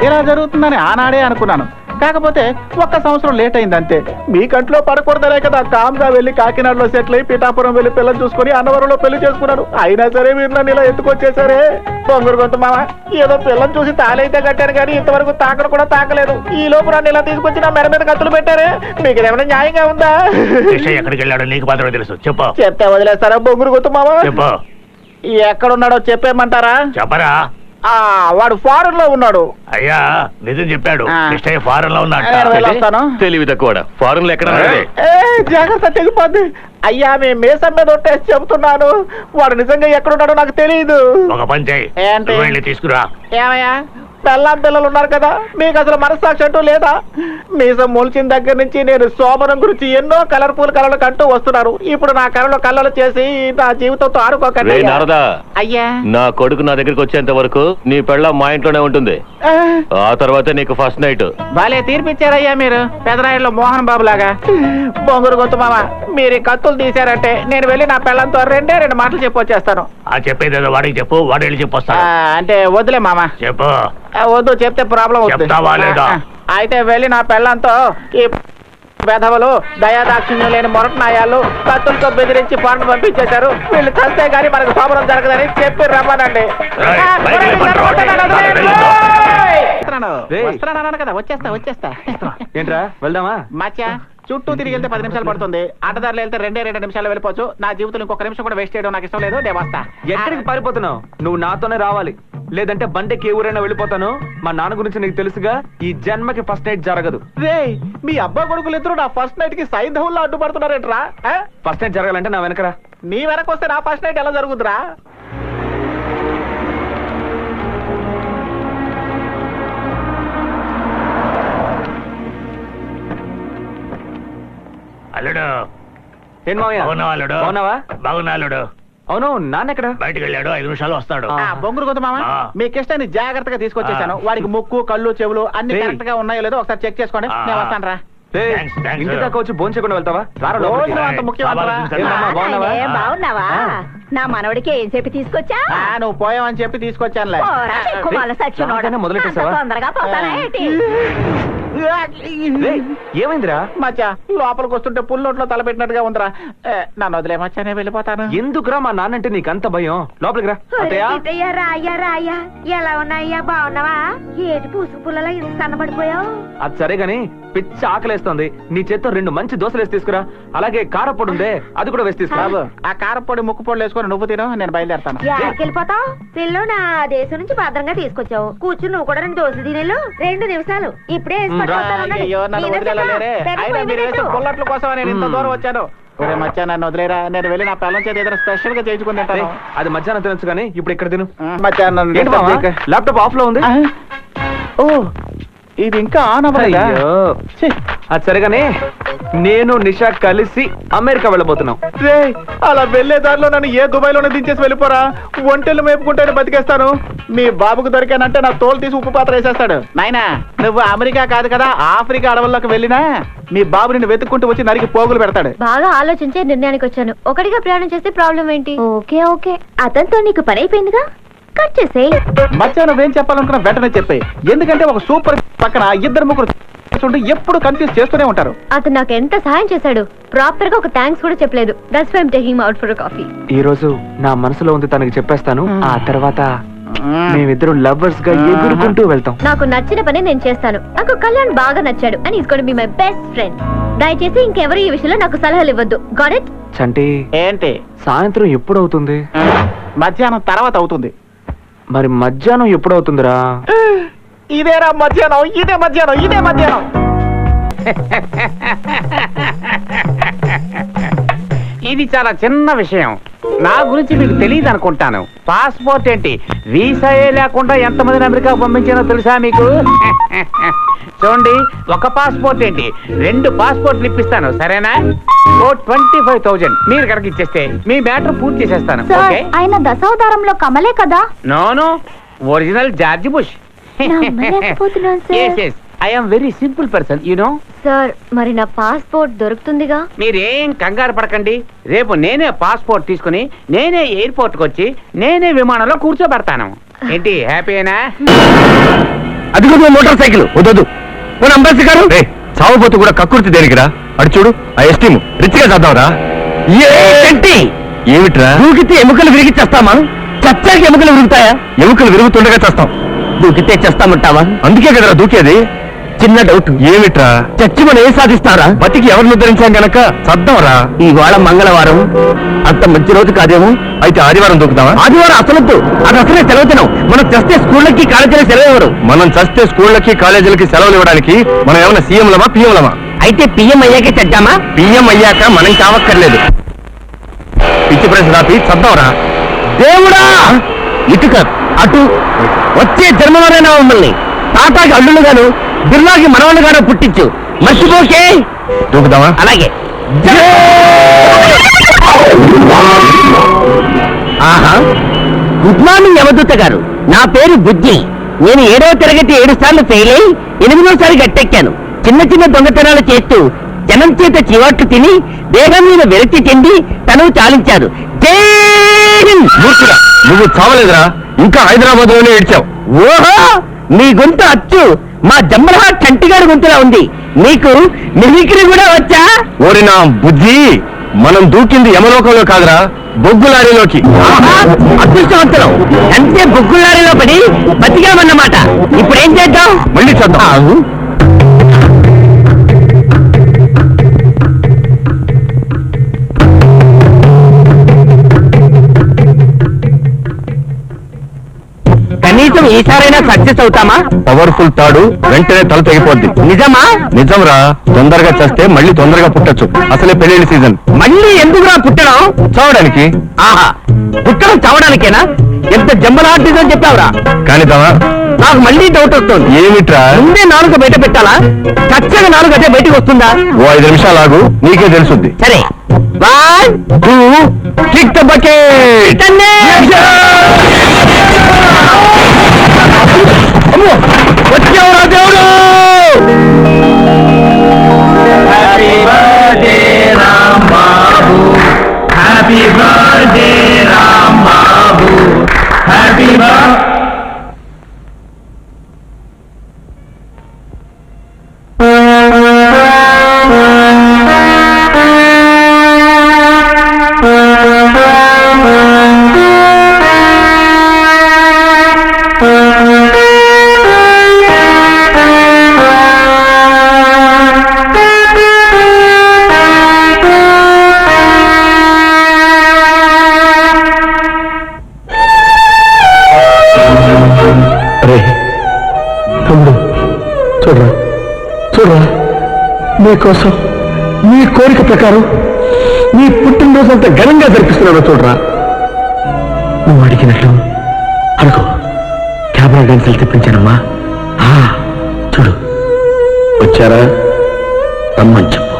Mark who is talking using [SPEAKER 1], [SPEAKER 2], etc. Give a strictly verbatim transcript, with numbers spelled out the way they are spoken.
[SPEAKER 1] ఇలా జరుగుతుందని ఆనాడే అనుకున్నాను. కాకపోతే ఒక్క సంవత్సరం లేట్ అయింది అంతే. మీ కంట్లో పడకూడదనే కదా కామ్గా వెళ్ళి కాకినాడలో సెటిల్ అయి పిఠాపురం వెళ్ళి పిల్లలు చూసుకుని అన్నవరంలో పెళ్లి చేసుకున్నాను. అయినా సరే మీరు నన్ను ఇలా ఎత్తుకొచ్చేసారే. బొంగురు గొంతు మామ, ఏదో పిల్లలు చూసి తాళైతే కట్టారు కానీ ఇంతవరకు తాకడం కూడా తాకలేదు. ఈ లోపు నన్ను ఇలా తీసుకొచ్చి నా మెడ మీద కత్తులు పెట్టారే. మీకు ఏమైనా న్యాయంగా ఉందా?
[SPEAKER 2] ఎక్కడికి వెళ్ళాడో నీకు మాత్రమే తెలుసు, చెప్పు.
[SPEAKER 1] చెప్తే వదిలేస్తారా బొంగురు గొంతు మామ?
[SPEAKER 2] చెప్పు.
[SPEAKER 1] ఎక్కడున్నాడో చెప్పేయమంటారా?
[SPEAKER 2] చెప్పరా.
[SPEAKER 1] ఆ వాడు ఫారెన్ లో ఉన్నాడు.
[SPEAKER 2] అయ్యా నిజం చెప్పాడు, కృష్ణయ్య ఫారెన్ లో
[SPEAKER 1] ఉన్నాడు.
[SPEAKER 2] తెలివి తక్కువ ఫారెన్ లో ఎక్కడ?
[SPEAKER 1] జాగ్రత్త తెగిపోద్ది. అయ్యా మేము మేసం మీద ఒట్టేసి చెబుతున్నాను, వాడు నిజంగా ఎక్కడున్నాడో నాకు తెలియదు.
[SPEAKER 2] ఒక పని చేయి,
[SPEAKER 1] ఏంటి?
[SPEAKER 2] వెళ్ళి తీసుకురా.
[SPEAKER 1] ఏమయ్యా పెళ్ళాం పిల్లలు ఉన్నారు కదా, మీకు అసలు మనస్సాక్షి అంటూ లేదా? మీసం మొలిచిన దగ్గర నుంచి నేను శోభనం గురించి ఎన్నో కలర్ఫుల్ కళలు కంటూ వస్తున్నారు. ఇప్పుడు నా కళలో కళ్ళలు చేసి నా జీవితంతో ఆడుకోకండి. అయ్యా
[SPEAKER 3] నా కొడుకు నా దగ్గరికి వచ్చేంత వరకు నీ పెళ్ళాం మా ఇంట్లోనే ఉంటుంది. ఆ తర్వాత నీకు ఫస్ట్ నైట్.
[SPEAKER 1] భలే తీర్పిచ్చారయ్యా మీరు, పెదరాయుడులో మోహన్ బాబు లాగా. బొంగురు గొంతు మామ, మీరు ఈ కత్తులు తీశారంటే నేను వెళ్ళి నా పెళ్ళంతో రెండే రెండు మాటలు చెప్పి వచ్చేస్తాను.
[SPEAKER 2] ఆ చెప్పేది వాడికి చెప్పు, వాడు వెళ్ళి చెప్పొస్తా.
[SPEAKER 1] అంటే వద్దులే మామ.
[SPEAKER 2] చెప్పు.
[SPEAKER 1] వద్దు, చెప్తే ప్రాబ్లం అవుతుంది. అయితే వెళ్ళి నా పెళ్ళంతో ఈ వెధవలు దయాదాక్షిణ్యం లేని మొరటనాయాలు కత్తులతో బెదిరించి పాటలు పంపించేశారు, వీళ్ళు చస్తే గానీ మనకు శోభనం జరగదని చెప్పి రమ్మనండి. వస్తున్నాను కదా, వచ్చేస్తా వచ్చేస్తా.
[SPEAKER 4] ఏంట్రా వెళ్దామా?
[SPEAKER 1] మచ్చా చుట్టూ తిరిగి వెళ్తే పది నిమిషాలు పడుతుంది, అడ్డదారులు వెళ్తే రెండే రెండు నిమిషాలు వెళ్ళిపోవచ్చు. నా జీవితంలో ఇంకొక నిమిషం కూడా వేస్ట్ చేయడం నాకు ఇష్టం లేదు. నేను వస్తా.
[SPEAKER 4] ఎక్కడికి పారిపోతున్నావు? నువ్వు నాతోనే రావాలి, లేదంటే బండికి ఏ ఊరైనా వెళ్ళిపోతాను. మా నాన్న గురించి నీకు తెలుసుగా, ఈ జన్మకి ఫస్ట్ నైట్ జరగదు.
[SPEAKER 1] రే మీ అబ్బా కొడుకులు ఇద్దరు నా ఫస్ట్ నైట్ కి సైంధవుల్లో అడ్డుపడుతున్నారేంట్రా?
[SPEAKER 4] ఫస్ట్ నైట్ జరగాలంటే నా వెనకరా.
[SPEAKER 1] నీ వెనక వస్తే నా ఫస్ట్ నైట్ ఎలా జరుగుతురా?
[SPEAKER 2] అల్లుడు
[SPEAKER 4] ఏం మావయ్య?
[SPEAKER 2] అల్లుడు
[SPEAKER 4] బాగున్నావా?
[SPEAKER 2] బాగున్నా అల్లుడు.
[SPEAKER 4] అవును, నాన్న ఎక్కడ?
[SPEAKER 2] బయటకు వెళ్ళాడు, ఐదు నిమిషాలు వస్తాడు.
[SPEAKER 1] బొంగురు గొంతు మామ, మీ కిష్టాన్ని జాగ్రత్తగా తీసుకొచ్చేసాను. వాడికి ముక్కు కళ్ళు చెవులు అన్ని కరెక్ట్ గా ఉన్నాయో లేదో ఒకసారి చెక్ చేసుకోండి. నేను వస్తాను రా.
[SPEAKER 4] ఇంటి దాకా వచ్చి భోజనం చేయకుండా వెళ్తావా?
[SPEAKER 1] అంత ముఖ్యమంటారా?
[SPEAKER 5] బాగున్నావా? నా మనవడికి ఏం చెప్పి తీసుకొచ్చా?
[SPEAKER 1] నువ్వు పోయావని చెప్పి తీసుకొచ్చానులే.
[SPEAKER 4] మొదలెట్టేసావా?
[SPEAKER 5] తొందరగా పోతానా ఏంటి?
[SPEAKER 4] ఏమైందిరా?
[SPEAKER 1] మచ్చా లోపలికి వస్తుంటే పుల్లొట్లో తలపెట్టినట్టుగా ఉందిరా. నన్ను వదిలే మచ్చా, నేను వెళ్ళిపోతాను.
[SPEAKER 4] ఎందుకురా మా నాన్నంటే నీకంత భయం? లోపలికి రా.
[SPEAKER 5] రాయ్యా రాయ్యా, ఎలా ఉన్నాయ్యా? బాగున్నావా? ఏటి పూసు పుల్లలో ఇంత సన్నబడిపోయావు?
[SPEAKER 4] అది సరే గాని పిచ్చి ఆకలేస్తోంది, నీ చేత్తో రెండు మంచి దోశలు వేసి తీసుకురా. అలాగే కారపొడి ఉందే, అది కూడా వేసి తీసుకురా.
[SPEAKER 1] ఆ కారపొడి ముక్కు పొడి వేసుకొని నువ్వు తిను, నేను బయలుదేరుతాను.
[SPEAKER 5] వెళ్ళిపోతావు పిల్లు? నా దేశం నుంచి భద్రంగా తీసుకొచ్చావు. కూర్చుని నువ్వు కూడా రెండు దోశలు తినేలు. రెండు నిమిషాలు ఇప్పుడే
[SPEAKER 1] అయ్యో నన్ను వదిలేరే. అయినా మీరు వేసే పుల్లట్ల కోసం నేను ఇంత దూరం వచ్చాను. ఒరే మచ్చా నన్ను వదిలేరా, నేను వెళ్ళి నా పిల్లల చేత ఏదైనా స్పెషల్ గా చేయించుకుని తింటాను.
[SPEAKER 4] అది మధ్యాహ్నం తినొచ్చు కానీ ఇప్పుడు ఇక్కడ తిను.
[SPEAKER 1] మధ్యాహ్నం
[SPEAKER 4] ల్యాప్టాప్ ఆఫ్ లో ఉంది.
[SPEAKER 1] ఓ ఇది ఇంకా ఆన్ అవ్వలేదా?
[SPEAKER 4] అది సరేగానే నేను నిషా కలిసి అమెరికా వెళ్ళబోతున్నాం.
[SPEAKER 1] రే అలా వెళ్లే దారిలో నన్ను ఏ దుబాయ్ లోనే దించేసి వెళ్ళిపోరా. ఒంటెలు మేపుకుంటేనే బతికేస్తాను. మీ బాబుకు దొరికానంటే నా తోలు తీసి ఉప్పు పాత్ర వేసేస్తాడు. నాయనా నువ్వు అమెరికా కాదు కదా, ఆఫ్రికా అడవుల్లోకి వెళ్ళినా మీ బాబు నిన్ను వెతుక్కుంటూ వచ్చి నరికి పోగులు పెడతాడు.
[SPEAKER 6] బాగా ఆలోచించే నిర్ణయానికి వచ్చాను. ఒకటిగా ప్రయాణం చేస్తే ప్రాబ్లం ఏంటి? ఓకే ఓకే, అతనితో నీకు పని అయిపోయిందిగా, కట్ చేసే.
[SPEAKER 1] మచ్చా నువ్వేం చెప్పాలనుకున్నా వెంటనే చెప్పే. ఎందుకంటే ఒక సూపర్ పక్కన ఇద్దరు ముగ్గురు ఎప్పుడు కన్ఫ్యూజ్ చేస్తూనే ఉంటారు.
[SPEAKER 6] అతను నాకు ఎంత సహాయం చేశాడు, ప్రాపర్ గా ఒక థ్యాంక్స్ కూడా చెప్పలేదు. That's why I am taking out for coffee.
[SPEAKER 4] ఈ రోజు నా మనసులో ఉంది తనకి చెప్పేస్తాను. ఆ తర్వాత మేమిద్దరం లవర్స్ గా ఎగురుకుంటూ వెళ్తాం.
[SPEAKER 6] నాకు నచ్చిన పని నేను చేస్తాను. నాకు కళ్యాణ్ బాగా నచ్చాడు and is going to be my best friend. దయచేసి ఇంకెవరు ఈ విషయంలో నాకు సలహాలు ఇవ్వద్దు. Got it?
[SPEAKER 4] చంటి
[SPEAKER 1] ఏంటి?
[SPEAKER 4] సాయంత్రం ఎప్పుడు అవుతుంది?
[SPEAKER 1] మధ్యాహ్నం తర్వాత అవుతుంది.
[SPEAKER 4] మరి మధ్యాహ్నం ఎప్పుడు అవుతుందిరా?
[SPEAKER 1] ఇదేరా మధ్యాహ్నం, ఇదే మధ్యాహ్నం, ఇదే మధ్యాహ్నం. ఇది చాలా చిన్న విషయం, నా గురించి మీకు తెలియదు అనుకుంటాను. పాస్పోర్ట్ ఏంటి, వీసాయే లేకుండా ఎంతమందిని అమెరికా పంపించానో తెలుసా మీకు? చూడండి, ఒక పాస్పోర్ట్ ఏంటి రెండు పాస్పోర్ట్లు ఇప్పిస్తాను, సరేనా? ఓ ట్వంటీ ఫైవ్ థౌజండ్ మీరు కనుక ఇచ్చేస్తే మీ మ్యాటర్ పూర్తి చేసేస్తాను.
[SPEAKER 6] ఆయన దశావతారంలో కమలే కదా?
[SPEAKER 1] నోను, original George Bush. I am very simple person, you know.
[SPEAKER 6] Sir మరి నా పాస్పోర్ట్ దొరుకుతుందిగా?
[SPEAKER 1] మీరేం కంగారు పడకండి. రేపు నేనే పాస్పోర్ట్ తీసుకుని నేనే ఎయిర్పోర్ట్ కి వచ్చి నేనే విమానంలో కూర్చోబెడతాను. ఏంటి హ్యాపీనా?
[SPEAKER 3] అది కూడా మోటార్ సైకిల్ వద్దు మన అంబాసి గారు చావబోతు కూడా కక్కుర్తి దేనికిరా అడు చూడు ఆ ఎస్టీమ్ రిచ్గా చేద్దాంరా ఏంటి ఏమిట్రా దూకితే ఎముకలు విరిగి చేస్తామా చచ్చాకి ఎముకలు విరుగుతాయా ఎముకలు విరుగుతుండగా చేస్తాం దూకితే చేస్తామంటావా అందుకే కదరా దూకేది చిన్న డౌట్ ఏమిట్రా చచ్చి మనం ఏం సాధిస్తారా బతికి ఎవరిని ఉద్ధరించాం గనక చద్దాంరా ఇవాళ మంగళవారం అంత మంచి రోజు కాదేమో అయితే ఆదివారం దూకుతావా ఆదివారం అసలొద్దు అది అసలే సెలవు తినం మనం చస్తే స్కూళ్ళకి కాలేజీలకి సెలవు ఇవ్వరు మనం చస్తే స్కూళ్ళకి కాలేజీలకి సెలవులు ఇవ్వడానికి మనం ఏమైనా సీఎంలమా పిఎంలమా అయితే పిఎం అయ్యాకే చద్దామా పిఎం అయ్యాక మనం కావక్కర్లేదు పిచ్చి ప్రశ్న రాపి చద్దాంరా దేవుడా ఇటు కాదు అటు వచ్చే జన్మలోనైనా మమ్మల్ని టాటాకి అల్లులుగాను బిర్లాకి మనవళ్ళుగాను పుట్టించు మర్చిపోకే దూకుదామా అలాగే ఆహా గుడ్ మార్నింగ్ యమదూత గారు నా పేరు బుజ్జి నేను ఏడవ తరగతి ఏడు సార్లు ఫెయిల్ అయి ఎనిమిదోసారి గట్టెక్కాను చిన్న చిన్న దొంగతనాలు చేస్తూ జనం చేత చివాట్లు తిని దేహం మీద విరక్తి చెంది తను చాలించారు జై హింద్. మూర్ఖుడా, నువ్వు చావలేదురా ఇంకా హైదరాబాద్ లోనే ఏడ్చావు ఓహో మీ గొంతు అచ్చు మా జమ్మలహా చంటిగారి గొంతులా ఉంది మీకు మిమిక్రీ కూడా వచ్చా ఓరి నా బుద్ధి మనం దూకింది యమలోకంలో కాదురా బొగ్గు లారీలోకి అదృష్టవంతులం అంటే బొగ్గు లారీలో పడి బతికామన్నమాట ఇప్పుడు ఏం చేద్దాం మళ్ళీ చూద్దాం కనీసం ఈసారైనా సక్సెస్ అవుతామా పవర్ఫుల్ తాడు వెంటనే తల తెగిపోద్ది నిజమా నిజంరా తొందరగా చేస్తే మళ్ళీ తొందరగా పుట్టొచ్చు అసలే పెళ్లి సీజన్ మళ్ళీ ఎందుకురా పుట్టడం చావడానికి ఆహా పుట్టడం చావడానికేనా ఎంత జంబల్ ఆర్టిజం చెప్పావురా కానీ తవా నాకు మళ్ళీ డౌట్ వస్తుంది ఏమిట్రా ముందే నాలుగు బయట పెట్టాలా చచ్చగా నాలుగు అదే బయటకు వస్తుందా ఓ ఐదు నిమిషాలు ఆగు నీకే తెలుసుద్ది సరే one two kick the bucket వచ్చేవరా దేవుడు happy birthday Ram Babu happy birthday Ram Babu happy birthday చూడరా చూడరా నీకోసం నీ కోరిక ప్రకారం నీ పుట్టినరోజు అంత ఘనంగా జరిపిస్తున్నాను చూడరా నువ్వు అడిగినట్లు అనుకో కెమెరా డాన్సులు తెప్పించానమ్మా చూడు వచ్చారా రమ్మని చెప్పు